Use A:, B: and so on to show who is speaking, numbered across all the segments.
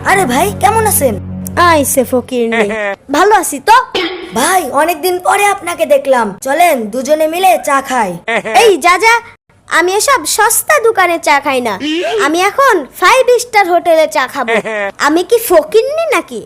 A: আরে ভাই কেমন আছেন?
B: আইসে ফকির নেই। ভালো আছি তো।
A: ভাই অনেকদিন পরে আপনাকে দেখলাম, চলেন দুজনে মিলে চা খাই।
B: এই যা যা, আমি এসব সস্তা দোকানে চা খাই না। আমি এখন 5 স্টার হোটেলে চা খাবো। আমি কি ফকিরনি নাকি?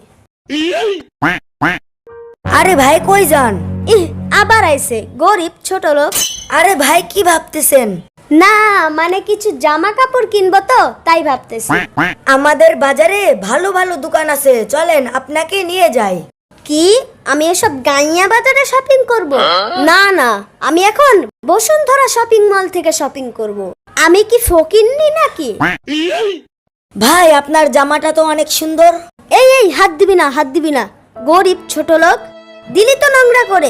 A: আরে ভাই কই যান?
B: ইহ, আবার আইসে গরিব ছোট লোক।
A: আরে ভাই কি ভাবতেছেন?
B: না মানে কিছু জামা কাপড় কিনবো তো তাই ভাবতেছি।
A: আমাদের বাজারে ভালো ভালো দোকান আছে, চলেন আপনাকে নিয়ে যাই।
B: কি আমি এসব গাইয়া বাজারে শপিং করব? না না, আমি এখন বসুন্ধরা শপিং মল থেকে শপিং করব। আমি কি ফকিরনি নাকি?
A: ভাই আপনার জামাটা তো অনেক সুন্দর।
B: এই এই হাত দিবি না, হাত দিবি না, গরিব ছোট লোক। দিলি তো নোংরা করে।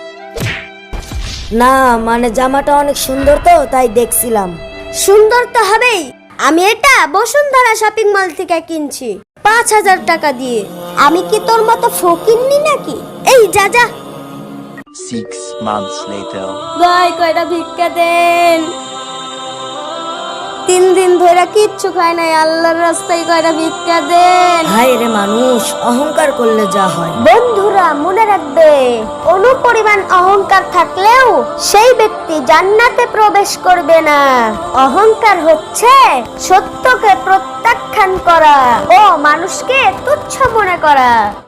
A: না মানে জামাটা অনেক সুন্দর তো তাই দেখছিলাম।
B: সুন্দর তো হবেই। আমি এটা বসুন্ধরা শপিং মল থেকে কিনছি 5,000 টাকা দিয়ে। আমি কি তোর মতো ফকিরনি নাকি? এই যা যা।
C: 6 months later.
B: ভাই কয়টা ভিক্ষা দেন। 3 দিন ধরে কিচ্ছু খাই নাই, আল্লাহর রাস্তায় কয়টা ভিক্ষা দেন।
A: ভাই রে মানুষ অহংকার করলে যা হয়।
B: বন্ধুরা মনে রাখবে, অনুপরিমাণ অহংকার থাকলেও সেই ব্যক্তি জান্নাতে প্রবেশ করবে না। অহংকার হচ্ছে সত্যকে প্রত্যাখ্যান করা ও মানুষকে তুচ্ছ মনে করা।